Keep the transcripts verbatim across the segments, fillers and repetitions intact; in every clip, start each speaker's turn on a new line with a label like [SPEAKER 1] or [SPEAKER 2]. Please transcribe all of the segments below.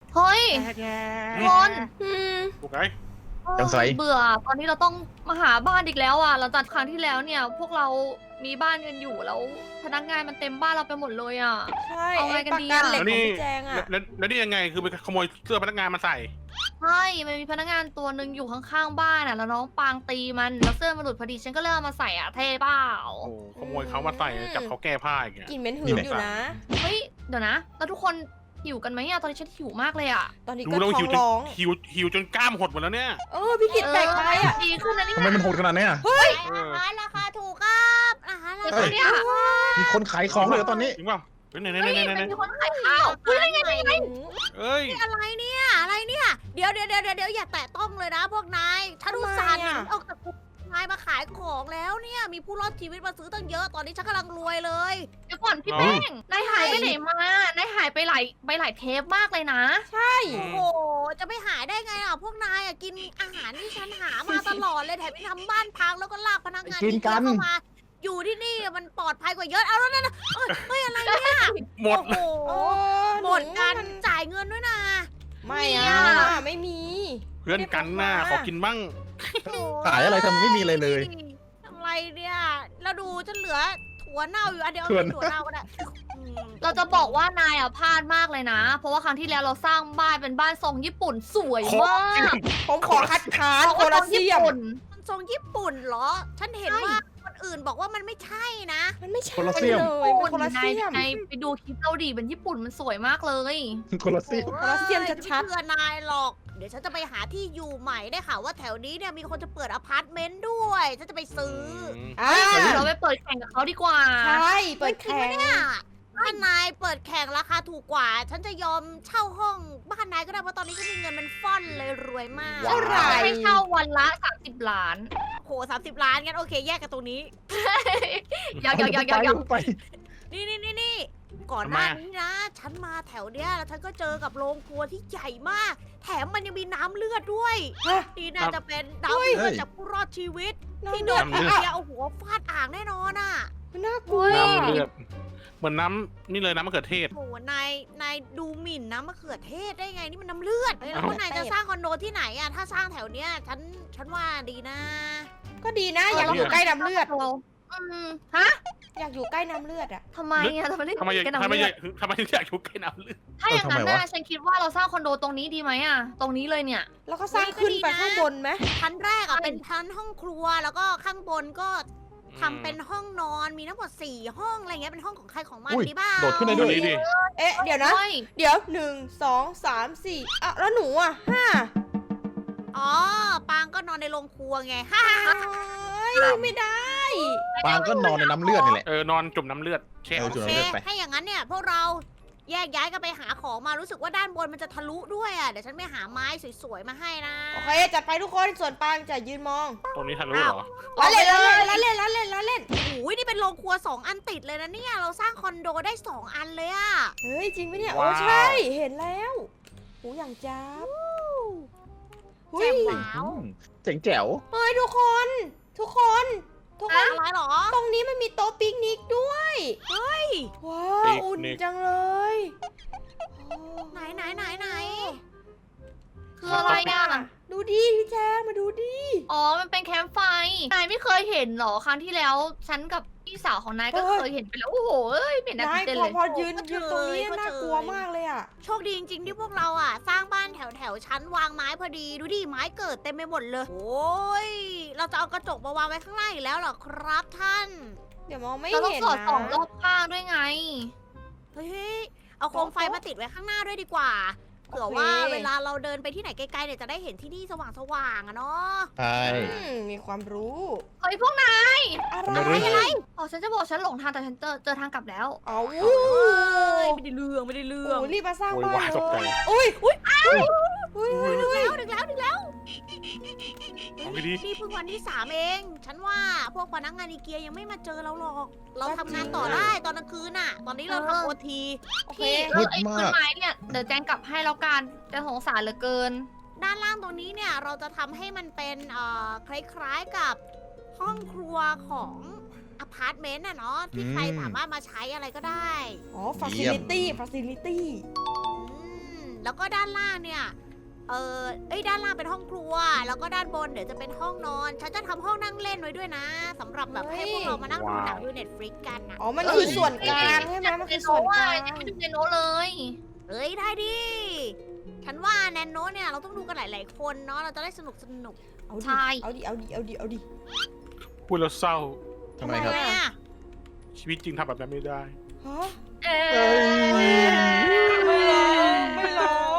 [SPEAKER 1] เฮ้ย
[SPEAKER 2] แย่
[SPEAKER 1] คน
[SPEAKER 3] อืม
[SPEAKER 2] ถูกไหม
[SPEAKER 4] จังไส
[SPEAKER 1] เบื่อตอนนี้เราต้องมาหาบ้านอีกแล้วอ่ะหลังจากครั้งที่แล้วเนี่ย พวกเรามีบ้านกันอยู่แล้วพนักงานมันเต็มบ้านเราไปหมดเลยอ่ะ
[SPEAKER 3] ใช่
[SPEAKER 1] เอาไง
[SPEAKER 3] ไอ้
[SPEAKER 1] กัน
[SPEAKER 3] ปาก
[SPEAKER 1] ดี
[SPEAKER 3] กา
[SPEAKER 1] อะ
[SPEAKER 3] เหล็ก
[SPEAKER 2] แล้ว
[SPEAKER 3] ของ
[SPEAKER 2] นี่
[SPEAKER 3] พี่แจงอ่ะ
[SPEAKER 2] แล้วแล้วนี่ยังไงคือไปขโมยเสื้อพนักงานมาใส่
[SPEAKER 1] ใช่มันมีพนักงานตัวหนึ่งอยู่ข้างๆบ้านอ่ะแล้วน้องปางตีมันแล้วเสื้อมันหลุดพอดีฉันก็เลยเอามาใส่อ่ะเท่เปล่า
[SPEAKER 2] โอ้โหขโมยเขามาใส่จับเขาแก้ผ้าอย่างเงี้ย
[SPEAKER 3] กลิ่นเหม็นหื
[SPEAKER 4] นี่
[SPEAKER 3] น
[SPEAKER 4] แหละ
[SPEAKER 3] อยู่นะ
[SPEAKER 1] เฮ้ยเดี๋ยวนะแล้วทุกคนหิวกันไหมอ่ะตอนนี้ฉันหิวมากเลยอ่ะ
[SPEAKER 3] ตอนนี้
[SPEAKER 2] ดู
[SPEAKER 3] ก็
[SPEAKER 2] แล้ว
[SPEAKER 3] ท้อ
[SPEAKER 2] หิว
[SPEAKER 3] ง
[SPEAKER 2] จน
[SPEAKER 3] ร้อง
[SPEAKER 2] หิวหิวจนกล้ามหดหมดแล้วเนี่ย
[SPEAKER 3] เออพี่กิดแปลกไปอ่ะ
[SPEAKER 1] ดีขึ้นนะนี่
[SPEAKER 4] ทำไมมันโหดขนาดนี้อ่ะ
[SPEAKER 5] อาหารราคาถูกครับอาหารรา
[SPEAKER 1] เฮ้
[SPEAKER 5] คาย
[SPEAKER 1] เนี่ย
[SPEAKER 4] มีคนขายของเลยเหรอตอนนี้
[SPEAKER 2] จริงเปล่าเฮ้ยไหนไหน
[SPEAKER 1] เฮ้ย
[SPEAKER 2] ไหนไหน
[SPEAKER 1] มัน
[SPEAKER 2] ไหน
[SPEAKER 1] มีคนขายข้าวเฮ้ยได้ไงได้ไง
[SPEAKER 2] เอ้ย
[SPEAKER 5] อะไรเนี่ยอะไรเนี่ยเดี๋ยวเดี๋ยวเดี๋ยวเดี๋ยวอย่าแตะต้องเลยนะพวกนายฉันอุตส่าห์หนีออกจากคุกนายมาขายของแล้วเนี่ยมีผู้รอดชีวิตมาซื้อตั้งเยอะตอนนี้ฉันกำลังรวยเลย
[SPEAKER 1] เดี๋ยวก่อนพี่แป้งนายหายไปไหนมานายหายไปหลายไปหลายเทปมากเลยนะ
[SPEAKER 3] ใช่
[SPEAKER 5] โอ้โหจะไม่หายได้ไงอ่ะพวกนายอ่ะกินอาหารที่ฉันหามาตลอดเลยแถมยังทำบ้านพังแล้วก็ลากพนักงาน
[SPEAKER 4] กิน
[SPEAKER 5] ที่
[SPEAKER 4] กัน
[SPEAKER 5] เข้ามา อยู่ที่นี่มันปลอดภัยกว่าเยอะเอาแล้วนั่นนะเอ้ยเฮ้ยอะไรเนี่ย
[SPEAKER 2] หมด
[SPEAKER 5] โอ้โห
[SPEAKER 3] โอ้
[SPEAKER 5] หมดกันจ่ายเงินด้วยนะ
[SPEAKER 3] ไม่อ่ะไม่มี
[SPEAKER 2] เพื่อนกันหน้าขอกินบ้าง
[SPEAKER 4] ขายอะไรทำไมไม่มีอะไรเลย
[SPEAKER 5] อะไรเนี่ยเราดูจะเหลือถั่วเน่าอยู่อันเดียว
[SPEAKER 4] ถั่ว
[SPEAKER 5] ถั่วเน่าก็ได้อืม
[SPEAKER 1] เราจะบอกว่านายอ่ะพลาดมากเลยนะ เพราะว่าครั้งที่แล้วเราสร้างบ้านเป็นบ้านทรงญี่ปุ่นสวยมาก
[SPEAKER 3] ผมขอคัดค้านโค
[SPEAKER 1] ท
[SPEAKER 3] ลา
[SPEAKER 1] รง
[SPEAKER 3] เซี
[SPEAKER 1] ญี่
[SPEAKER 3] ยม
[SPEAKER 1] ปุ่น
[SPEAKER 5] มันทรงญี่ปุ่นเหรอ ฉันเห็น
[SPEAKER 1] ใช่
[SPEAKER 5] ว่าคนอื่นบอกว่ามันไม่ใช่นะ
[SPEAKER 3] มันไม่ใช่
[SPEAKER 4] โคลา
[SPEAKER 3] เล
[SPEAKER 4] เซี
[SPEAKER 3] ย
[SPEAKER 4] ยม
[SPEAKER 3] มันโคลา
[SPEAKER 1] นา
[SPEAKER 3] เซี
[SPEAKER 1] ย
[SPEAKER 3] ยม
[SPEAKER 1] นายไปดูคลิปเราดิเป็นญี่ปุ่นมันสวยมากเลย
[SPEAKER 4] คนละสิ
[SPEAKER 5] โอ้
[SPEAKER 3] โคลาเซียมชัดๆ
[SPEAKER 5] ไม่เชื่อนายหรอก เดี๋ยวฉันจะไปหาที่อยู่ใหม่ได้ค่ะว่าแถวนี้เนี่ยมีคนจะเปิดอพาร์ตเมนต์ด้วย ฉันจะไปซื้อ
[SPEAKER 3] อ่า
[SPEAKER 1] เดี๋ยวเราไปเปิดแข่งกับเขาดีกว่า
[SPEAKER 3] ใช่เปิด
[SPEAKER 5] จริง
[SPEAKER 3] แข่
[SPEAKER 5] ไหม
[SPEAKER 3] ง
[SPEAKER 5] เนี่ยถ้านายเปิดแข่งราคาถูกกว่า ฉันจะยอมเช่าห้องบ้านนายก็ได้เพราะตอนนี้ฉันมีเงินเป็นฟ่อนเลยรวยมาก
[SPEAKER 3] เท่าไหร่
[SPEAKER 1] ให้เช่าวันละสามสิบล้าน
[SPEAKER 5] โหสามสิบล้านงั้นโอเคแยกกันตรงนี้
[SPEAKER 1] อยากอยากอยากอยากอยาก
[SPEAKER 4] ไป
[SPEAKER 5] นี่นี่นี่นี่ก่อนหน้านี้นะ ฉันมาแถวเนี้ยแล้วฉันก็เจอกับโรงครัวที่ใหญ่มาก แถมมันยังมีน้ำเลือดด้วย
[SPEAKER 3] ฮะ
[SPEAKER 5] นี่น่าจะเป็นน้ำเลือดจากผู้รอดชีวิต ที่โดน
[SPEAKER 3] น้ำ
[SPEAKER 5] ไอ
[SPEAKER 3] เลือด
[SPEAKER 5] เดียเอาหัวฟาดอ่างแน่นอนอ่ะ
[SPEAKER 3] มันน่ากลัว
[SPEAKER 2] น้ำเลือดเหมือนน้ำนี่เลยน้ำมะเขือเทศ
[SPEAKER 5] โหนายนายดูหมิ่นน้ำมะเขือเทศได้ไงนี่มันน้ำเลือดเฮ้ยแล้ว
[SPEAKER 2] เอ้า
[SPEAKER 5] พวกนายจะสร้างคอนโดที่ไหนอ่ะถ้าสร้างแถวเนี้ยฉันฉันว่าดีนะ
[SPEAKER 3] ก็ดีนะ อยากอยู่ใกล้น้ำเลือด
[SPEAKER 1] เราอืมฮะ
[SPEAKER 3] อยากอยู่ใกล้น้ำเลือดอ่ะ
[SPEAKER 1] ทำไมอ่ะทำไมได้
[SPEAKER 2] ทำไมอยาก
[SPEAKER 1] กัน
[SPEAKER 2] ทำไม
[SPEAKER 1] น้ำ
[SPEAKER 2] อ
[SPEAKER 1] เลื
[SPEAKER 2] ยา
[SPEAKER 1] อด
[SPEAKER 2] กทำไมถึงอยากอยู่ใกล้น้ำเลือด
[SPEAKER 1] ถ้าอย่างนั้น
[SPEAKER 4] เออทำไม
[SPEAKER 1] น่ะ
[SPEAKER 4] วะ
[SPEAKER 1] ฉันคิดว่าเราสร้างคอนโดตรงนี้ดีไหมอ่ะ ตรงนี้เลยเนี่ย
[SPEAKER 3] แล้วก็สร้างขึ้นไปข้างบนไหม
[SPEAKER 5] ชั้นแรกอ่ะเป็นชั้นห้องครัวแล้วก็ข้างบนก็ทำเป็นห้องนอนมีทั้งหมดสี่ห้องอะไรเงี้ยเป็นห้องของใครของมัน
[SPEAKER 4] อุ้ย
[SPEAKER 5] ดีบ้า
[SPEAKER 4] โดดขึ้นได้
[SPEAKER 2] ดู
[SPEAKER 4] ด้วย
[SPEAKER 2] นี่ดิ
[SPEAKER 3] เอ๊ะเดี๋ยวนะ
[SPEAKER 1] เฮ้ย
[SPEAKER 3] เดี๋ยวหนึ่งสองสามสี่อ่ะแล้วหนูอ่ะห้า
[SPEAKER 5] อ๋อปางก็นอนในโรงครัวไงฮ่า
[SPEAKER 3] เฮ้ยไม่ได้
[SPEAKER 4] ปางก็นอนในน้ำเลือดนี่แหละ
[SPEAKER 2] เออนอนจุ่มน้ำเลือดแช่
[SPEAKER 4] เออจุ่
[SPEAKER 5] โอ
[SPEAKER 4] ม
[SPEAKER 5] เค
[SPEAKER 4] น้ำเลือดไป
[SPEAKER 5] ถ้าอย่างนั้นเนี่ยพวกเราแยกย้ายกันไปหาของมารู้สึกว่าด้านบนมันจะทะลุด้วยอ่ะเดี๋ยวฉันไปหาไม้สวยๆมาให้นะ
[SPEAKER 3] โอเคจัดไปทุกคนส่วนปางจะยืนมอง
[SPEAKER 2] ตรงนี้ทะลุเหรอ
[SPEAKER 3] ละเล่นละเล่นละเล่นละเล่นละเล่น
[SPEAKER 5] โอ้โหนี่เป็นโรงครัวสองอันติดเลยนะเนี่ยเราสร้างคอนโดได้สองอันเลยอ่ะ
[SPEAKER 3] เฮ้ยจริงไหมเนี่ย
[SPEAKER 2] ว้าว
[SPEAKER 3] โอ้ใช่เห็นแล้วหูอย่างจับหุ
[SPEAKER 5] แจ่
[SPEAKER 3] ย
[SPEAKER 5] มว้าว
[SPEAKER 4] อืมเจ๋งแจ๋ว
[SPEAKER 3] เฮ้ยทุกคน ทุกคน ทุกคน
[SPEAKER 5] อะไรเหรอ
[SPEAKER 3] ตรงนี้มันมีโต๊ะปิกนิกด้วย
[SPEAKER 5] เฮ้ย
[SPEAKER 3] ว้า
[SPEAKER 2] ปิ
[SPEAKER 3] ว
[SPEAKER 2] กนิก
[SPEAKER 3] อุ่นจังเลยโอ้
[SPEAKER 5] ไหนไหนไหนไหน
[SPEAKER 1] คืออะไรอ่ะ
[SPEAKER 3] ดูดิพี่แจงมาดูดิ
[SPEAKER 1] อ๋อ มันเป็นแคมป์ไฟ นายไม่เคยเห็นเหรอ ครั้งที่แล้ว ฉันกับพี่สาวของนายก็เคยเห็นไปแล้ว โอ้โหเอ้ยเป็นนัก
[SPEAKER 3] นาย
[SPEAKER 1] เต้น
[SPEAKER 3] พอ
[SPEAKER 1] เลย
[SPEAKER 3] พอยืนยืนตรงนี้น่ากลัวมากเลยอ่ะ
[SPEAKER 5] โชคดีจริงๆที่พวกเราอ่ะ สร้างบ้านแถวแถวๆชั้นวางไม้พอดีดูดิไม้เกิดเต็มไปหมดเลย โอ้ยเราจะเอากระจกมาวางไว้ข้างล่างอีกแล้วเหรอครับท่าน
[SPEAKER 3] เดี๋ยวมองไม่
[SPEAKER 1] เราต้อง
[SPEAKER 3] เห็น
[SPEAKER 1] สอด
[SPEAKER 3] นะ
[SPEAKER 1] ส่องรอบข้างด้วยไง
[SPEAKER 5] เฮ้ยเอาโคมไฟมาติดไว้ข้างหน้าด้วยดีกว่าเผื่อว่าเวลาเราเดินไปที่ไหนไกลๆเนี่ยจะได้เห็นที่นี่สว่างๆอะเนาะ
[SPEAKER 4] ใช่
[SPEAKER 3] อืมมีความรู้
[SPEAKER 1] เฮ้ยพวกนาย
[SPEAKER 3] อะไร
[SPEAKER 4] ทำไมรู้
[SPEAKER 3] อะไร
[SPEAKER 1] อ๋อฉันจะบอกฉันหลงทางแต่ฉันเจอเจอทางกลับแล้ว
[SPEAKER 3] เอา
[SPEAKER 5] เอ้ยไม่ได้เรื่องไม่ได้เรื่อง
[SPEAKER 3] โอ้รีบมาสร้าง
[SPEAKER 2] โวย
[SPEAKER 3] บ้าน
[SPEAKER 2] วาย
[SPEAKER 3] เล
[SPEAKER 2] ตกใจ
[SPEAKER 3] ยอุ้ยอุ้ยอุ้ยอุ้ยอุ้ย
[SPEAKER 5] ดึก
[SPEAKER 3] อุ้ย
[SPEAKER 5] แล้วดึกแล้วดึกแล้ว
[SPEAKER 2] เอาไปดิ
[SPEAKER 5] นี่เพิ่งวันที่สามเอง ฉันว่าพวกพนักงานอีเกียยังไม่มาเจอเราหรอก เราทำงานต่อได้ตอนกลางคืนน่ะ ตอนนี้เราทำโอที
[SPEAKER 3] โอเค
[SPEAKER 1] พี่เออไอ้ต้นไม้เนี่ยเดี๋ยวแจงกลับให้แล้วกันแต่สงสารเหลือเกิน
[SPEAKER 5] ด้านล่างตรงนี้เนี่ยเราจะทำให้มันเป็นเอ่อคล้ายๆกับห้องครัวของอพาร์ตเมนต์น่ะเนาะที่ใครสามารถมาใช้อะไรก็ได้
[SPEAKER 3] อ๋อ facility facility
[SPEAKER 5] อืมแล้วก็ด้านล่างเนี่ย เออเอ้ยด้านล่างเป็นห้องครัว แล้วก็ด้านบนเดี๋ยวจะเป็นห้องนอน ฉันจะทำห้องนั่งเล่นไว้ด้วยนะสำหรับแบบให้พวกเรามานั่งดูหนังดูเน็ตฟลิกกันนะ
[SPEAKER 3] อ๋อ มันคือส่วนกลางใช่ไหมมันคือส่วนกลาง
[SPEAKER 1] ยังไม่ดูในโน้ตเลย
[SPEAKER 5] เอ้ยได้ดิ ฉันว่าแนนโนเนี่ยเราต้องดูกันหลาย ๆ คนเนาะ เราจะได้สนุกสนุก
[SPEAKER 3] เอาดิ
[SPEAKER 1] ใช่
[SPEAKER 3] เอาดิ เอาดิ เอาดิ เอาดิ
[SPEAKER 2] พูดแล้วเศร้า
[SPEAKER 4] ทำไมครับ
[SPEAKER 5] ทำไมอะ
[SPEAKER 2] ชีวิตจริงทำแบบนั้นไม่ได้
[SPEAKER 3] ฮะ
[SPEAKER 1] เอ๊
[SPEAKER 4] เอ้
[SPEAKER 1] ะ
[SPEAKER 4] ย
[SPEAKER 3] ไม่ร้องไม่ร้อง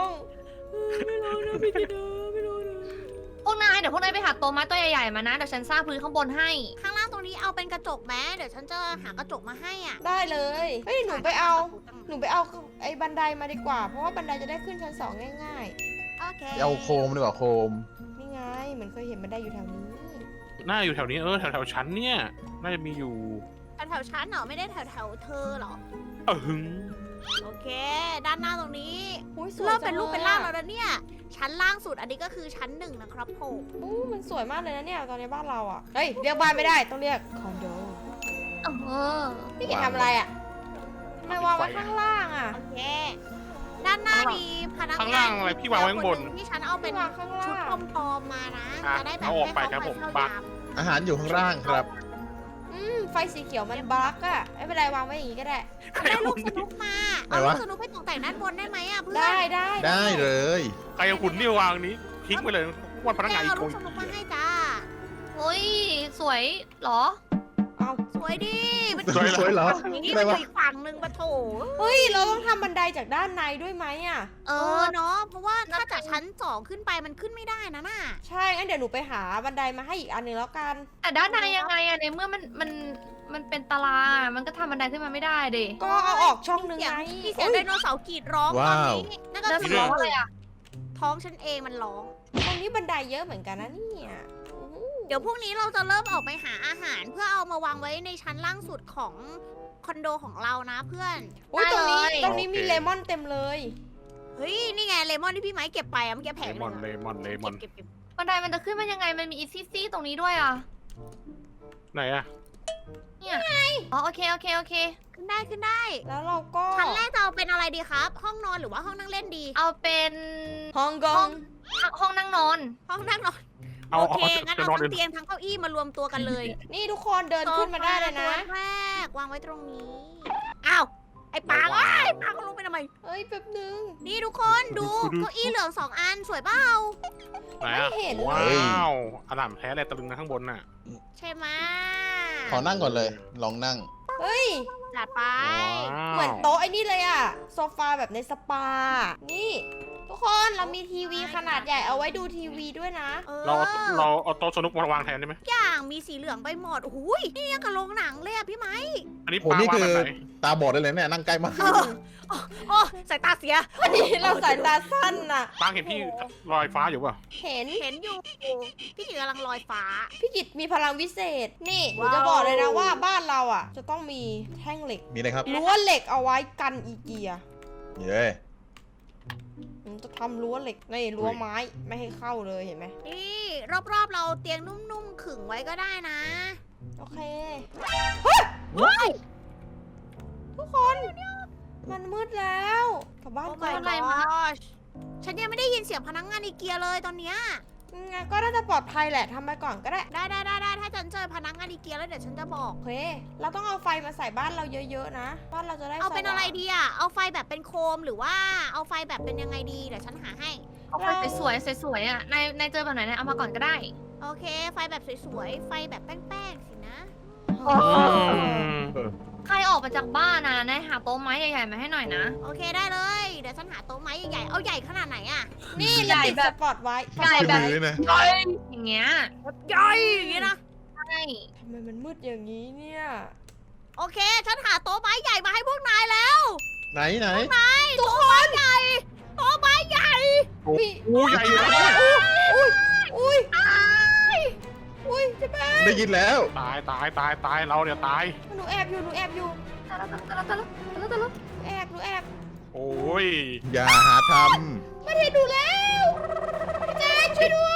[SPEAKER 1] พวกนายเดี๋ยวพวกนายไปหาโต๊ะไม้ตัวใหญ่ๆมานะเดี๋ยวฉันสร้างพื้นข้างบนให้
[SPEAKER 5] ข้างล่างตรงนี้เอาเป็นกระจกแม้เดี๋ยวฉันจะหากระจกมาให้อ่ะ
[SPEAKER 3] ได้เลย เฮ้ย หนูไปเอา หนูไปเอาไอ้บันไดมาดีกว่า เพราะว่าบันไดจะได้ขึ้นชั้นสองง่าย
[SPEAKER 5] โอเค
[SPEAKER 4] เอาโคมดีกว่าโคม
[SPEAKER 3] ๆ นี่ไง เหมือนเคยเห็นบันไดอยู่แถวนี้
[SPEAKER 2] น่าอยู่แถวนี้เออแถวแถวๆชั้นเนี่ย น่าจะมีอยู่
[SPEAKER 5] แถวๆชั้นเหรอไม่ได้แถวแถวๆเธอเหรอ
[SPEAKER 2] เออหึง
[SPEAKER 5] โอเค ด้านหน้าตรงนี้
[SPEAKER 3] อุ้ยสวย
[SPEAKER 5] เริ่มเป็นรูปเป็นร่าง
[SPEAKER 3] จั
[SPEAKER 5] แล้วนะเนี่ย ชั้นล่างสุดอันนี้ก็คือชั้นหนึ่งนะครับผม
[SPEAKER 3] อู้มันสวยมากเลยนะเนี่ย ตอนนี้บ้านเราอ่ะ เฮ้ย เรียกบ้านไม่ได้ ต้องเรียกคอนโด
[SPEAKER 1] เออ
[SPEAKER 3] พี่เก๋ทำอะไรอ่ะทำไมวางไว้ข้างล่างอ่ะ
[SPEAKER 5] โอเค ด้านหน้ามีพนัก
[SPEAKER 2] ข้าง
[SPEAKER 5] งา
[SPEAKER 2] ล่าน งอะไรพี่วางไว้ข้างบน
[SPEAKER 5] คหที่ฉันเอาเป็น
[SPEAKER 3] วางข้างล่าง
[SPEAKER 5] ชุดปลอมๆมานะ
[SPEAKER 2] อ่ะ
[SPEAKER 5] จะได้แบบ
[SPEAKER 2] เอาออกไปครับผม
[SPEAKER 5] ให้
[SPEAKER 2] บั
[SPEAKER 5] เข้าก ไป
[SPEAKER 4] อาหารอยู่ข้างล่างครับ
[SPEAKER 3] อืม ไฟสีเขียวมันบั๊กอ่ะ ไม่เป็นไรวางไว้อย่างงี้ก็ได้
[SPEAKER 5] เข้าไปได้ลูกสนุกมา
[SPEAKER 4] ไหน
[SPEAKER 5] เอาลู
[SPEAKER 4] วะ
[SPEAKER 5] กสนุกไปตกแต่งด้านบนได้ไหมอ่ะเพื่อน
[SPEAKER 3] ได้ได้
[SPEAKER 4] ได้เลย
[SPEAKER 2] ใครเอาหุ่นนี่วางนี้ทิ้งไปเลยวันพนักงานอี
[SPEAKER 5] เอา
[SPEAKER 2] กค
[SPEAKER 5] ลูก
[SPEAKER 2] น
[SPEAKER 5] สนุกมาให้จ้า
[SPEAKER 1] เฮ้ยสวยเหรอ
[SPEAKER 3] เอา
[SPEAKER 5] สวยดิมัน
[SPEAKER 4] สวยสวยเหรอ
[SPEAKER 5] นี่
[SPEAKER 4] อะไร
[SPEAKER 5] มันอ
[SPEAKER 4] วะ
[SPEAKER 5] ยู่อีกฝั่งหนึ่งปะโถ
[SPEAKER 3] เฮ้ย เราต้องทำบันไดจากด้านในด้วยไหมอ่ะ
[SPEAKER 5] เออเนาะเพราะว่าถ้าจากชั้นสองขึ้นไปมันขึ้นไม่ได้นะน่ะ
[SPEAKER 3] ใช่ งั้นเดี๋ยวหนูไปหาบันไดมาให้อีกอันหนึ่งแล้วกัน
[SPEAKER 1] แต่ด้านในยังไงอะในเมื่อมันมันมันเป็นตารางอะมันก็ทำบันไดขึ้นมาไม่ได้ดิ
[SPEAKER 3] ก็เอาออกช่องหนึ่ง
[SPEAKER 5] เสียง
[SPEAKER 3] ไง
[SPEAKER 5] มีเสียงไดโนเสาร์กรีดร้องตอน
[SPEAKER 4] ว้าว
[SPEAKER 5] นี้นั่นก็
[SPEAKER 1] แล้ว
[SPEAKER 5] คื
[SPEAKER 1] มัน
[SPEAKER 5] อ
[SPEAKER 1] ร้องอะไรอะ
[SPEAKER 5] ท้องฉันเองมันร้อง
[SPEAKER 3] ตรงนี้บันไดเยอะเหมือนกันนะเนี่ยโอ้โห
[SPEAKER 5] เดี๋ยวพรุ่งนี้เราจะเริ่มออกไปหาอาหาร เพื่อเอามาวางไว้ในชั้นล่างสุดของคอนโดของเรานะเพื่อน
[SPEAKER 3] โอ้ยตรงนี้ตรงนี้มีเลมอนเต็มเลย
[SPEAKER 5] เฮ้ย นี่ไงเลมอนที่พี่ไม้เก็บไปอะเมื่อกี้แผ
[SPEAKER 2] เล
[SPEAKER 5] งห
[SPEAKER 2] มอน
[SPEAKER 5] นึง
[SPEAKER 2] เล
[SPEAKER 5] อะ
[SPEAKER 2] มอนเลมอน
[SPEAKER 5] เก็บเก็บเก็บ
[SPEAKER 1] บันไดมันจะขึ้นมายังไงมันมีอีซี่ซี่ตรงนี้ด้วยอะ
[SPEAKER 2] ไหนอะ
[SPEAKER 1] เนี่ยอ๋อโอเคโอเคโอเค
[SPEAKER 5] ขึ้นได้ขึ้นได้
[SPEAKER 3] แล้วเราก็
[SPEAKER 5] ชั้นแรกจะเอาเป็นอะไรดีครับ ห้องนอนหรือว่าห้องนั่งเล่นดี
[SPEAKER 1] เอาเป็น
[SPEAKER 3] ฮองก
[SPEAKER 1] ห้
[SPEAKER 3] อ
[SPEAKER 1] อง งห้องนั่งนอน
[SPEAKER 5] ห้องนั่งนอน
[SPEAKER 2] เอา
[SPEAKER 5] โอ
[SPEAKER 2] เอา
[SPEAKER 5] เค งั้น
[SPEAKER 2] จะ
[SPEAKER 5] เอา
[SPEAKER 2] นอนเดิ
[SPEAKER 5] ทั้
[SPEAKER 2] น
[SPEAKER 5] งเตียงทั้งเก้าอี้มารวมตัวกันเลย
[SPEAKER 3] นี่ทุกคนเดินขึ้นมาได้เลยนะ
[SPEAKER 5] โซฟาตัวแรกวางไว้ตรงนี้ อ้าว ไอ้ปางเอ้ยปางก็ลงไปทำไม
[SPEAKER 3] เอ้ยแป๊บนึง
[SPEAKER 5] นี่ทุกคนดูเก้าอี้เหลืองสองอันสวยเปล่า
[SPEAKER 2] ไหนอะ
[SPEAKER 3] ไม่เห็นเลย
[SPEAKER 2] ว้าวอลามแท้เลยตะลึงนะข้างบนน่ะ
[SPEAKER 5] ใช่ไหม
[SPEAKER 4] ขอนั่งก่อนเลย ลองนั่ง
[SPEAKER 3] เฮ้ย
[SPEAKER 5] จัดไป
[SPEAKER 2] ว้าว
[SPEAKER 3] เหมือนโต๊ะไอ้นี่เลยอะโซฟาแบบในสปา นี่ ทุกคนเรามีทีวีขนาดใหญ่เอาไว้ดูทีวีด้วยนะ
[SPEAKER 5] เออ
[SPEAKER 2] เราเราเอาโต๊ะสนุกมาวางแทนได้ไหม
[SPEAKER 5] อย่างมีสีเหลืองไปหมดโอ้โหยนี่ยังกับโรงหนังเลยอะพี่ไหม
[SPEAKER 2] อันนี้
[SPEAKER 4] โห
[SPEAKER 2] ปลา
[SPEAKER 4] นี่
[SPEAKER 2] วาง
[SPEAKER 4] คือ
[SPEAKER 2] แบบไหน
[SPEAKER 4] ตาบอดได้เลยเนี่ยนั่งใกล้มาก
[SPEAKER 5] เออโอ้สายตาเสีย
[SPEAKER 3] อันนี้เราสายตาสั้นน่ะ
[SPEAKER 2] ปางเห็นพี่ลอยฟ้าอยู่เปล่า
[SPEAKER 3] เห็น
[SPEAKER 5] เห็นอยู่ พี่กิจกำลังลอยฟ้า
[SPEAKER 3] พี่กิตมีพลังวิเศษ นี่หนู
[SPEAKER 5] ว้าว
[SPEAKER 3] จะบอกเลยนะว่าบ้านเราอ่ะ จะต้องมีแท่งเหล็ก
[SPEAKER 4] มีอะไรครับ
[SPEAKER 3] รั้วเหล็กเอาไว้กันอีเกีย
[SPEAKER 4] เย้
[SPEAKER 3] หนูจะทำรั้วเหล็กในรั้วไม้ไม่ให้เข้าเลยเห็นไหม
[SPEAKER 5] นี่รอบๆเราเตียงนุ่มๆขึงไว้ก็ได้นะ
[SPEAKER 3] โอเคเฮ้ยเฮ้ยทุกคน มันมืดแล้วกลับบ้าน
[SPEAKER 5] โอ้
[SPEAKER 3] ก่อน
[SPEAKER 5] my gosh ฉันยังไม่ได้ยินเสียงพนักงานอีเกียเลยตอนเนี้ย
[SPEAKER 3] งั้นก็น่าจะปลอดภัยแหละทำไปก่อนก็ได้
[SPEAKER 5] ได้ได้ได้ได้ถ้าฉันเจอพนักงานอีเกียแล้วเดี๋ยวฉันจะบอก
[SPEAKER 3] โอเค เราต้องเอาไฟมาใส่บ้านเราเยอะๆนะ บ้านเราจะได้
[SPEAKER 5] เอาเป็น
[SPEAKER 3] สว่ง
[SPEAKER 5] อะไรดีอ่ะ เอาไฟแบบเป็นโคมหรือว่าเอาไฟแบบเป็นยังไงดี เดี๋ยวฉันหาให้
[SPEAKER 1] เอาไฟสวยๆสวยๆอะนายนายเจอแบบไหนนายเอามาก่อนก็ได้
[SPEAKER 5] โอเค ไฟแบบสวยๆ ไฟแบบแป้งๆสินะ
[SPEAKER 3] อ๋อ
[SPEAKER 1] ใครออกมาจากบ้านนะนายหาโต๊ะไม้ใหญ่ๆมาให้หน่อยนะ
[SPEAKER 5] โอเคได้เลย เดี๋ยวฉันหาโต๊ะไม้ใหญ่ๆ เอาใหญ่ขนาดไหนอ่ะ
[SPEAKER 3] นี่
[SPEAKER 1] ใหญ่
[SPEAKER 3] เราติด
[SPEAKER 1] แบ
[SPEAKER 3] ส
[SPEAKER 1] บ
[SPEAKER 3] ปอตไว้
[SPEAKER 1] ใหญ่แบบ
[SPEAKER 4] มือนะ
[SPEAKER 1] อย่างเงี้ย
[SPEAKER 5] ใหญ่อย่างนี้นะ
[SPEAKER 1] ใช่
[SPEAKER 3] ทำไมมันมืดอย่างนี้เนี่ย
[SPEAKER 5] โอเค ฉันหาโต๊ะไม้ใหญ่มาให้พวกนายแล้ว
[SPEAKER 4] ไหนไหน
[SPEAKER 5] โต๊ะไม้ใหญ่ โต๊ะไม้ใหญ่
[SPEAKER 2] โอ้โหใหญ่เลย
[SPEAKER 3] อุ้ย อุ้ยเจะแป้ง
[SPEAKER 4] ได้ยินแล้ว
[SPEAKER 2] ตายตายตายตายเราเนี่ยตาย
[SPEAKER 3] หนูแอบอยู่ หนูแอบอยู่
[SPEAKER 1] ตะลุตะลุตะลุตะลุตะลุ
[SPEAKER 3] หนูแอบ หนูแอบ
[SPEAKER 2] โอ้ย
[SPEAKER 4] อย่าหาท
[SPEAKER 3] มันเห็นหนูแล้วพี่แจ๊คช่วยด้วย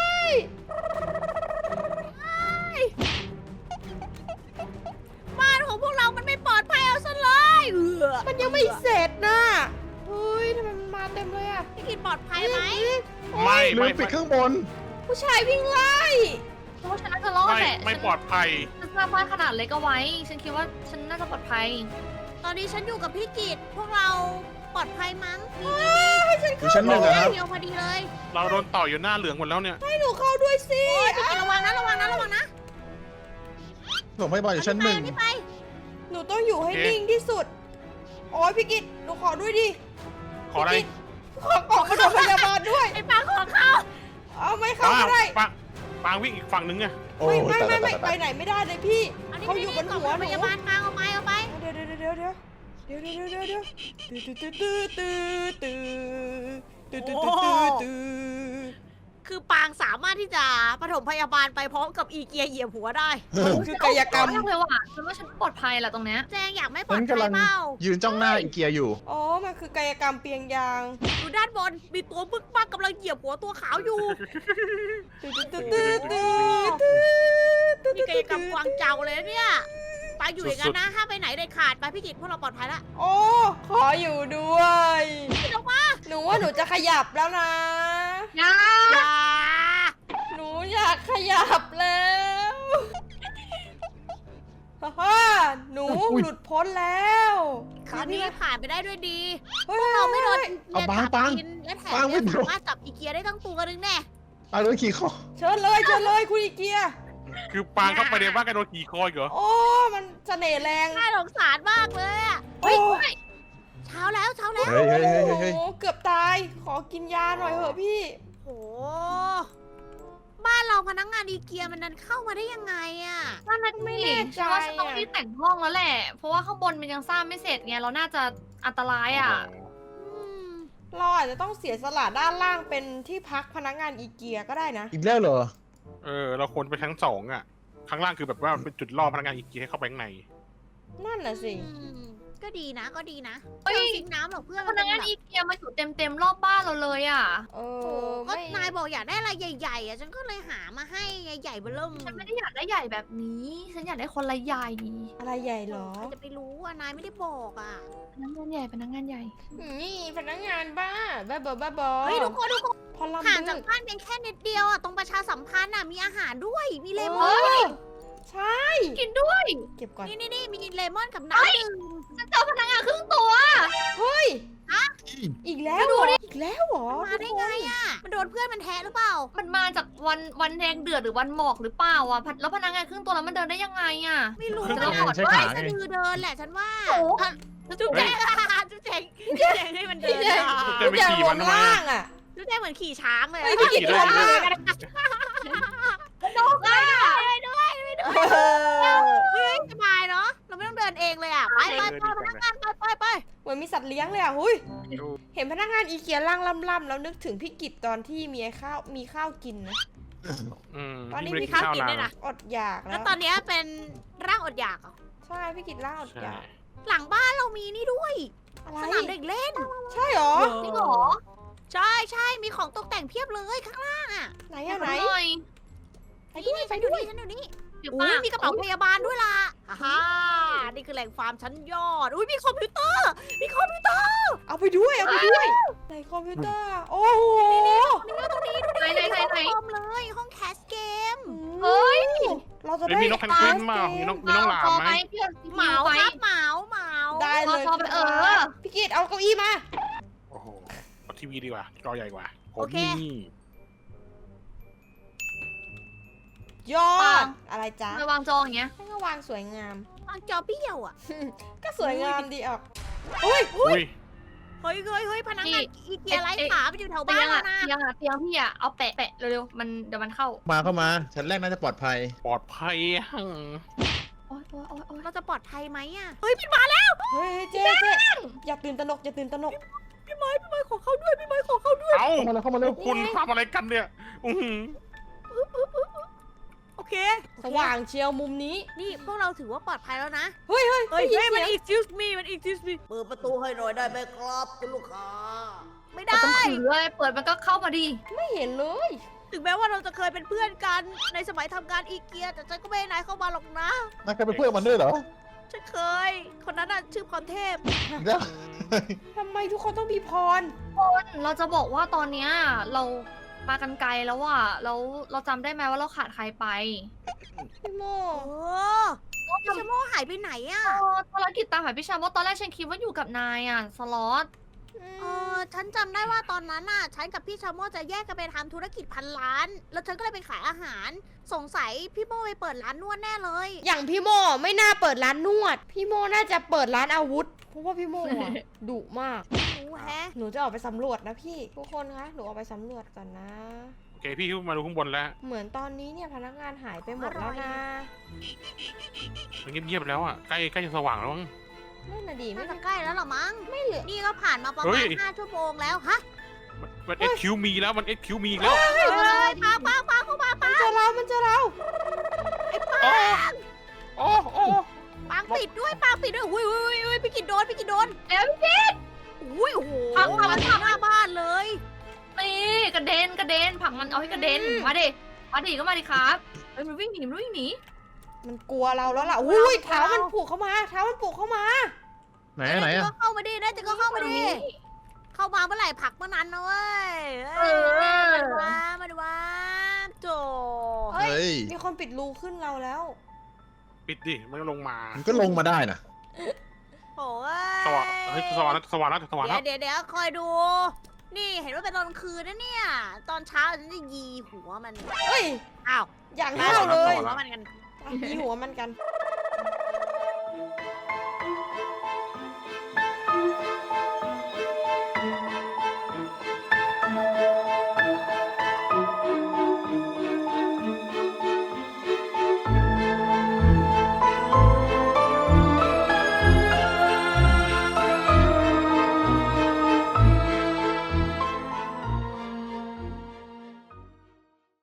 [SPEAKER 5] บ้านของพวกเรามันไม่ปลอดภัยเอาซะเลยเออ
[SPEAKER 3] มันยังไม่เสร็จนะเฮ้ยทำไมมันมาเต็มเลยอะ
[SPEAKER 5] พี่กินปลอดภัยไหม
[SPEAKER 2] ไม่
[SPEAKER 4] ลื
[SPEAKER 2] ไม่
[SPEAKER 4] มปิดเครื่องบน
[SPEAKER 3] ผู้ชายวิ่งไล่
[SPEAKER 1] เพราะว่าฉันน่าจะรอด
[SPEAKER 2] ไม่
[SPEAKER 1] แหละ
[SPEAKER 2] ไม่
[SPEAKER 1] ฉัน
[SPEAKER 2] ปลอดภัย
[SPEAKER 1] ฉันสร้างบ้านขนาดเล็กเอาไว้ ฉันคิดว่าฉันน่าจะปลอดภัย
[SPEAKER 5] ตอนนี้ฉันอยู่กับพี่กิตพวกเราปลอดภัยมั้งนี่
[SPEAKER 4] อยู่ชั้นหนึ่งอะครับ
[SPEAKER 5] เดียวพอดีเลย
[SPEAKER 2] เราโดนต่อยอยู่หน้าเหลืองหมดแล้วเนี่ย
[SPEAKER 3] ให้หนูเข้าด้วยสิ
[SPEAKER 5] โอ้ยพี่กิตระวังนะระวังนะระวังนะ
[SPEAKER 4] ส่งพยาบาลอยู่ชั้นหนึ่ง
[SPEAKER 5] อันี่ไป
[SPEAKER 3] หนูต้องอยู่ให้
[SPEAKER 2] โอเค
[SPEAKER 3] นิ่งที่สุด โอ้ยพี่กิตหนูขอด้วยดิ
[SPEAKER 2] ขออะไร
[SPEAKER 3] ขอกล่องปฐมพยาบาลด้วย
[SPEAKER 5] ไอ้ปางของเขา
[SPEAKER 3] เอาไม่เข้า
[SPEAKER 2] ปาง
[SPEAKER 3] ก็ได้
[SPEAKER 2] ปางปางวิ่งอีกฝั่งนึงไง
[SPEAKER 4] โอ้
[SPEAKER 3] ไม่
[SPEAKER 4] ย
[SPEAKER 3] ไม่
[SPEAKER 4] ตาย
[SPEAKER 3] ไม่
[SPEAKER 4] ตาย
[SPEAKER 3] ไม่ไป
[SPEAKER 4] ตาย
[SPEAKER 3] ไหนไม่ได้เลยพี่
[SPEAKER 5] อันนี้
[SPEAKER 3] เขาอยู่บนหัวห
[SPEAKER 5] พ
[SPEAKER 3] นู
[SPEAKER 5] ยาบาลปางเอาไปเอาไป
[SPEAKER 3] เดี๋ยวเดี๋ยวเดี๋ยวเดี๋ยวเดี๋ยวเดี๋ยวเดี๋ยวเดี๋ยวเดี๋ยวตื้อตื้อตื้อตื้อตื้อตื้อตื้อตื้อตื้อ
[SPEAKER 5] คือปางสามารถที่จะปฐมพยาบาลไปพร้อมกับอีเกียเหยียบหัวได้
[SPEAKER 3] มันคือกายกรรม
[SPEAKER 1] มากเลยว่ะฉันว่าฉันปลอดภัยแหละตรงเนี้ย
[SPEAKER 5] แจงอยากไม่ปลอ
[SPEAKER 4] ฉั
[SPEAKER 5] ด
[SPEAKER 4] น
[SPEAKER 5] ภั
[SPEAKER 4] กำลั
[SPEAKER 5] ย
[SPEAKER 4] ง
[SPEAKER 5] เปล่า
[SPEAKER 4] ยืนจ้องหน้าอีเกียอยู่
[SPEAKER 3] อ๋อ มันคือกายกรรมเปียงยาง
[SPEAKER 5] ดูด้านบนมีตัวบึกบักกำลังเหยียบหัวตัวขาวอยู่
[SPEAKER 3] ตื้อตื้อตื้อตื้อตื้อตื้อ
[SPEAKER 5] นี่กายกรรมกวางเจาเลยนะเนี่ยปางอยู่อย่างนั้นนะห้ามไปไหนเด็ดขาดไปพี่กิตพวกเราปลอดภัยละ
[SPEAKER 3] โอ้ขออยู่ด้วย
[SPEAKER 5] ลงมา
[SPEAKER 3] หนูว่าหนูจะขยับแล้วนะ
[SPEAKER 1] ยา
[SPEAKER 5] อย่า
[SPEAKER 3] หนูอยากขยับแล้วฮ่าฮ่าหนู
[SPEAKER 4] อุ๊ย
[SPEAKER 3] หลุดพ้นแล้ว
[SPEAKER 5] คืนนี้ผ่านไปได้ด้วยดี
[SPEAKER 3] เฮ้ย
[SPEAKER 5] เราไม่โดน
[SPEAKER 4] เอา
[SPEAKER 5] อี
[SPEAKER 4] ปาง
[SPEAKER 5] เกีย
[SPEAKER 4] ปาง
[SPEAKER 5] จับกินและแถม
[SPEAKER 4] ปางไม่
[SPEAKER 5] ยัง
[SPEAKER 4] โดน
[SPEAKER 5] สามารถจับอีเกียได้ทั้งตัวนึงแน่
[SPEAKER 4] ตายด้วยขี่คอ
[SPEAKER 3] เชิญเลยเชิญเลยคุณอีเกีย
[SPEAKER 2] คือปางเข้าไปในบ้านกันโดนขี่คออีกเหรอ
[SPEAKER 3] โอ้ มันเสน่ห์แรง
[SPEAKER 5] น่าสงสารมากเลยอะ
[SPEAKER 3] โอ้
[SPEAKER 5] เช้าแล้วเช้าแล้ว
[SPEAKER 4] เฮ้ยเฮ้ยเฮ้ยเฮ้ยเฮ้ย
[SPEAKER 3] โอ้เกือบตาย ขอกินยาหน่อยเถอะพี่
[SPEAKER 5] โหบ้านเราพนักงานอีเกียมันนั้นเข้ามาได้ยังไงอะ
[SPEAKER 1] นั่นน่ะ
[SPEAKER 3] ไม่
[SPEAKER 1] ไม่
[SPEAKER 3] แน่
[SPEAKER 1] แน่
[SPEAKER 3] ใจ
[SPEAKER 1] ฉันว่าฉันต้อง
[SPEAKER 3] อะ
[SPEAKER 1] รีบแต่งห้องแล้วแหละ เพราะว่าข้างบนมันยังสร้างไม่เสร็จไง เราน่าจะอันตรายอ่ะ
[SPEAKER 5] อืม
[SPEAKER 3] เราอาจจะต้องเสียสละด้านล่างเป็นที่พักพนักงานอีเกียก็ได้นะ
[SPEAKER 4] อีกแล้วเหรอ
[SPEAKER 2] เออ เราควรไปชั้นสองอ่ะ ข้างล่างคือแบบว่าเป็นจุดล่อพนักงานอีกทีให้เข้าไปข้างใน
[SPEAKER 3] นั่นน่ะสิ
[SPEAKER 5] อืมก็ดีนะก็ดีนะ
[SPEAKER 1] เฮ้ย
[SPEAKER 5] เราซิงน้ำหรอกเพื่อน
[SPEAKER 1] พนักงานอีเกียมาอยู่เต็มเต็มๆรอบบ้านเราเลยอ่ะ
[SPEAKER 3] เอ
[SPEAKER 5] โอ้
[SPEAKER 3] อ
[SPEAKER 5] ก็
[SPEAKER 3] ไม่
[SPEAKER 5] นายบอกอยากได้อะไรใหญ่ๆอะฉันก็เลยหามาให้ใหญ่ๆเบ้อเริ่ม
[SPEAKER 1] ฉันไม่ได้อยากได้ใหญ่แบบนี้ ฉันอยากได้คนละใหญ่
[SPEAKER 3] อะไรใหญ่เหรอ
[SPEAKER 5] ใครจะไปรู้อ่ะนายไม่ได้บอกอ่ะ
[SPEAKER 1] พนักงานใหญ่พนักงานใหญ่
[SPEAKER 3] นี่พนักงานบ้าบ้าบอบ้าบอ
[SPEAKER 5] เฮ้ยทุกคนทุกคน
[SPEAKER 3] พอลำ
[SPEAKER 5] ห่าง
[SPEAKER 3] บึ
[SPEAKER 5] จาก
[SPEAKER 3] ก
[SPEAKER 5] บ้านเพียงแค่นิดเดียวอ่ะตรงประชาสัมพันธ์อ่ะมีอาหารด้วยมีเลม
[SPEAKER 3] เอ
[SPEAKER 5] อน
[SPEAKER 3] อใช่
[SPEAKER 1] กินด้วย
[SPEAKER 3] เก็บก่อน
[SPEAKER 5] นี่นี่นี่มีเลมอนกับน้ำดื่ม
[SPEAKER 1] ฉันเจอพนักงานครึ่งตัว
[SPEAKER 3] เฮ้ย อีกแล้วเหรออีกแล้วเหรอ
[SPEAKER 5] มาได้ไงอ่ะมันโดนเพื่อนมันแทะหรือเปล่า
[SPEAKER 1] มันมาจากวันวันแดงเดือดหรือวันหมอกหรือเปล่าอ่ะพัดแล้วพนักงานครึ่งตัวแล้วมันเดินได้ยังไงอ่ะ
[SPEAKER 5] ไม่รู้
[SPEAKER 2] เดี๋ยว
[SPEAKER 5] แต่
[SPEAKER 2] เรา
[SPEAKER 5] ว่า
[SPEAKER 4] ใช้
[SPEAKER 5] ไม่
[SPEAKER 4] ขา
[SPEAKER 5] สะ
[SPEAKER 4] ไง
[SPEAKER 5] ดือเดินแหละฉันว่า
[SPEAKER 1] โอ้โห
[SPEAKER 5] อ่ะจุ๊บแจงจุ๊บแจงจุ๊บแจงให้มันเดินอ่ะ
[SPEAKER 2] เดินไปขี่มันทำไม
[SPEAKER 3] ล่า
[SPEAKER 2] อะ
[SPEAKER 3] งอ่ะ
[SPEAKER 5] จุ๊บแจงเหมือนขี่ช้างเลย
[SPEAKER 3] เฮ้ยพี่กิต
[SPEAKER 2] ขี่
[SPEAKER 3] ร
[SPEAKER 2] ได้
[SPEAKER 3] วม
[SPEAKER 2] ขี่
[SPEAKER 3] ล่าง
[SPEAKER 5] นกอ่ะด้วยด้วยด้วย
[SPEAKER 3] เออ
[SPEAKER 5] เฮ้ยสบายเนาะเราไม่ต้องเดินเองเลยอ่ะไปไปไปพนักงานไปไปไป
[SPEAKER 3] เหมือนมีสัตว์เลี้ยงเลยอ่ะหุยเห็นพนักงานอีเกียร่างล่ำๆแล้วนึกถึงพี่กิตตอนที่มีข้าวมีข้าวกินนะ
[SPEAKER 2] อืม
[SPEAKER 3] ตอนนี้
[SPEAKER 2] ยิ่ง
[SPEAKER 3] มี
[SPEAKER 2] ไได้
[SPEAKER 5] ข้าว
[SPEAKER 2] ข้าว
[SPEAKER 5] กิน
[SPEAKER 2] นา
[SPEAKER 5] ด้วยนะ
[SPEAKER 3] อดอยากแล้
[SPEAKER 5] แล้ว
[SPEAKER 3] ว
[SPEAKER 5] ตอนเนี้ยเป็นร่างอดอยากเหรอ
[SPEAKER 3] ใช่พี่กิตร่างอด
[SPEAKER 2] ใช่
[SPEAKER 3] อยาก
[SPEAKER 5] หลังบ้านเรามีนี่ด้วย
[SPEAKER 3] อะไร
[SPEAKER 5] สนามเด็กเล่น
[SPEAKER 3] ใช่เหรอ
[SPEAKER 1] จริงเหรอ
[SPEAKER 5] ใช่ใช่มีของตกแต่งเพียบเลยข้างล่างอ่ะ
[SPEAKER 3] ไหนอะไหน
[SPEAKER 1] หน่อย
[SPEAKER 3] ไปด้วย
[SPEAKER 5] นี่
[SPEAKER 3] ไป
[SPEAKER 5] ฉัน
[SPEAKER 3] ด้
[SPEAKER 5] ดู
[SPEAKER 3] วย
[SPEAKER 5] นี่ฉันดูนี่
[SPEAKER 1] เดี๋ยว
[SPEAKER 5] อุ้
[SPEAKER 1] ป้าย
[SPEAKER 5] มีกระเป๋าพยาบาลด้วยล่ะฮ่านี่คือแหล่งฟาร์มชั้นยอดอุ้ยมีคอมพิวเตอร์ มีคอมพิวเตอร์
[SPEAKER 3] เอาไปด้วยเอาไปด้วยในคอมพิวเตอร์โอ้โห
[SPEAKER 5] นี่ตรงนี้ดูดิ
[SPEAKER 1] ไหนไหนไหนไหน
[SPEAKER 5] คอมเลยห้องแคสเกม
[SPEAKER 1] เฮ้ย
[SPEAKER 3] เราจะ
[SPEAKER 2] เฮ้ย
[SPEAKER 3] ได้
[SPEAKER 2] มีนกแพนกวินมามีนกมีน้องหลาม
[SPEAKER 1] พอ
[SPEAKER 2] ไหม
[SPEAKER 1] พี่เอา
[SPEAKER 5] เหมา
[SPEAKER 1] ไป
[SPEAKER 5] ครับเหมาเหมา
[SPEAKER 3] ได้เลย
[SPEAKER 1] พอไปเออ
[SPEAKER 3] พี่กิตเอาเก้าอี้มา
[SPEAKER 2] โอ้โหเอาทีวีดีกว่าจอใหญ่กว่าผม
[SPEAKER 5] โอเค
[SPEAKER 2] นี่
[SPEAKER 3] ยอดอะไรจ๊ะ
[SPEAKER 1] ไปวางจองอย่างเงี้ย
[SPEAKER 3] ให้ก็วางสวยงาม
[SPEAKER 5] วางจอเบี้ยวอ่ะ
[SPEAKER 3] ก็สวยงามดีออกอุ้ย
[SPEAKER 2] อุ้ย
[SPEAKER 5] เฮ้ยเฮ้ยเฮ้ยพนักงานอีเกียไร้
[SPEAKER 1] เอ๊ะ
[SPEAKER 5] ขาไปอยู่แถว
[SPEAKER 1] เตี
[SPEAKER 5] บ้าย น
[SPEAKER 1] ง
[SPEAKER 5] แล้
[SPEAKER 1] อะ
[SPEAKER 5] วนะ
[SPEAKER 1] เตียงอะเตียงพี่อะเอาแปะแปะเร็วๆมันเดี๋ยวมันเข้า
[SPEAKER 4] มาเข้ามาชั้นแรกน่าจะปลอดภัย
[SPEAKER 2] ปลอดภัยหั่ง
[SPEAKER 1] โอ๊ยโอ๊ยโอ๊ยโอ๊ย
[SPEAKER 5] เราจะปลอดภัยไหมอ่ะ เฮ้ยพี่มาแล้ว
[SPEAKER 3] เฮ้ยเจ๊เจ๊อย่าตื่นตระหนกอย่าตื่นตระหนก
[SPEAKER 5] พี่ไม้พี่ไม้ขอเข้าด้วยพี่ไม้ขอเข้าด้วย
[SPEAKER 2] เอ้า
[SPEAKER 4] เข้ามาแล้วเข้ามาเร็ว
[SPEAKER 2] คุณทำอะไรกันเนี่ยอือหือ
[SPEAKER 5] โอเค
[SPEAKER 3] สว่างเชียวมุมนี้
[SPEAKER 5] นี่พวกเราถือว่าปลอดภัยแล้วนะ
[SPEAKER 3] เฮ้ยเฮ้ย
[SPEAKER 5] เฮ้ย
[SPEAKER 3] ได้
[SPEAKER 5] เฮ้ย
[SPEAKER 3] ยิน
[SPEAKER 5] มัน
[SPEAKER 3] เสียง
[SPEAKER 5] excuse me มัน excuse me เปิดประตูให้หน่อยได้ไหมครับคุณลูกค้า ไม่
[SPEAKER 1] เรา
[SPEAKER 5] ได้
[SPEAKER 1] ต้องถือเลยเปิดมันก็เข้ามาดี
[SPEAKER 3] ไม่เห็นเลย
[SPEAKER 5] ถึงแม้ว่าเราจะเคยเป็นเพื่อนกันในสมัยทำงานอีเกีย แต่ฉันก็ไม่ให้นายเข้ามาหรอกนะ
[SPEAKER 4] นายเคยเป็นเพื่อนมันด้วยเหรอ
[SPEAKER 5] ฉันเคย คนนั้นน่ะชื่อพรเทพ
[SPEAKER 4] อีกแล้ว
[SPEAKER 3] ทำไมทุกคนต้องมีพร
[SPEAKER 1] คนเราจะบอกว่าตอนเนี้ยเรามากันไกลแล้วอะแล้วเราจำได้ไหมว่าเราขาดใครไป
[SPEAKER 3] พี่โม
[SPEAKER 5] โอ้พี่ชะโมหายไปไหนอะ
[SPEAKER 1] เออภารกิจตามหาพี่ชามว่าตอนแรกฉันคิดว่าอยู่กับนายอะสล็อต
[SPEAKER 5] เออฉันจำได้ว่าตอนนั้นน่ะ ฉันกับพี่ชะโมจะแยกกันไปทำธุรกิจพันล้าน แล้วฉันก็เลยไปขายอาหาร สงสัยพี่โมไปเปิดร้านนวดแน่เลย
[SPEAKER 3] อย่างพี่โมไม่น่าเปิดร้านนวด พี่โมน่าจะเปิดร้านอาวุธ เพราะว่าพี่โมอะ ดุมาก
[SPEAKER 5] รู้แฮะ
[SPEAKER 3] หนูจะออกไปสำรวจนะพี่ ทุกคนคะ หนูออกไปสำรวจก่อนนะ
[SPEAKER 2] โอเคพี่มาดูข้างบนแล้ว
[SPEAKER 3] เหมือนตอนนี้เนี่ยพนักงานหายไปหมดแล้วนะ
[SPEAKER 2] มันเงียบๆแล้วอ่ะใกล้ใกล้จะสว่างแล้วมั้ง
[SPEAKER 3] นั่นน่ะดีไม่
[SPEAKER 5] น่าจะใกล้แล้วเหรอมั้ง
[SPEAKER 3] ไม่เหลือ
[SPEAKER 5] นี่ก็ผ่านมาประ
[SPEAKER 2] เฮ้
[SPEAKER 5] มาณ
[SPEAKER 2] ย
[SPEAKER 5] ห้าชั่วโมงแล้ว ฮะ
[SPEAKER 2] มันมันเอ็กคิวมีแล้วมันเอ็กคิวมีอีกแล้ว
[SPEAKER 5] ไปเลยปางปางปางเข้ามา
[SPEAKER 3] มันเจอเรา มันเจอเรา
[SPEAKER 5] ไอ้ปาง
[SPEAKER 2] โอ้โอ้
[SPEAKER 5] ปางปิดด้วยปางปิดด้วยอุ้ยอุ้ยอุ้ยพี่กินโดนพี่กินโดน
[SPEAKER 1] เดี๋ยวพี่
[SPEAKER 5] อุ้ยโอ้โห
[SPEAKER 1] พังพัง
[SPEAKER 5] มาถึงหน้าบ้านเลย
[SPEAKER 1] นี่กระเด็นกระเด็นผลักมันเอาให้กระเด็น
[SPEAKER 3] อืม
[SPEAKER 1] มาดิมาดิก็มาดิครับเฮ้ยมันวิ่งหนีมันวิ่งหนี
[SPEAKER 3] มันกลัวเราแล้วล่ะ อุ้ยเท้ามันผูกเข้ามา เท้ามันผูกเข้ามา
[SPEAKER 4] ไหนไหน
[SPEAKER 5] จะ
[SPEAKER 4] อะ
[SPEAKER 5] ก็เข้ามาดิน่าจะก็เข้ามาดิ เข้ามาเมื่อไหร่ผลักเมื่อนั้นนะเว้ย
[SPEAKER 1] เออ
[SPEAKER 5] มาดูว่ามาดูว่าโจ
[SPEAKER 3] เฮ้ย
[SPEAKER 4] เฮ้ย
[SPEAKER 3] มีคนปิดรูขึ้นเราแล้ว
[SPEAKER 2] ปิดดิมันก็ลงมา
[SPEAKER 4] มันก็ลงมาได้นะ
[SPEAKER 5] โอ้ย
[SPEAKER 2] สว่างเฮ้ยสว่างแล้วสว่างแล้วสว่างแล้ว
[SPEAKER 5] เดี๋ยวเดี๋ยวเดี๋ยวคอยดู นี่เห็นว่าเป็นตอนกลางคืนนะเนี่ย ตอนเช้าฉันจะยีหัวมัน
[SPEAKER 3] เฮ้ย
[SPEAKER 5] อ้าว
[SPEAKER 3] อย่างห้าวเลย
[SPEAKER 5] หัวมันกัน
[SPEAKER 3] มีหัวมันกัน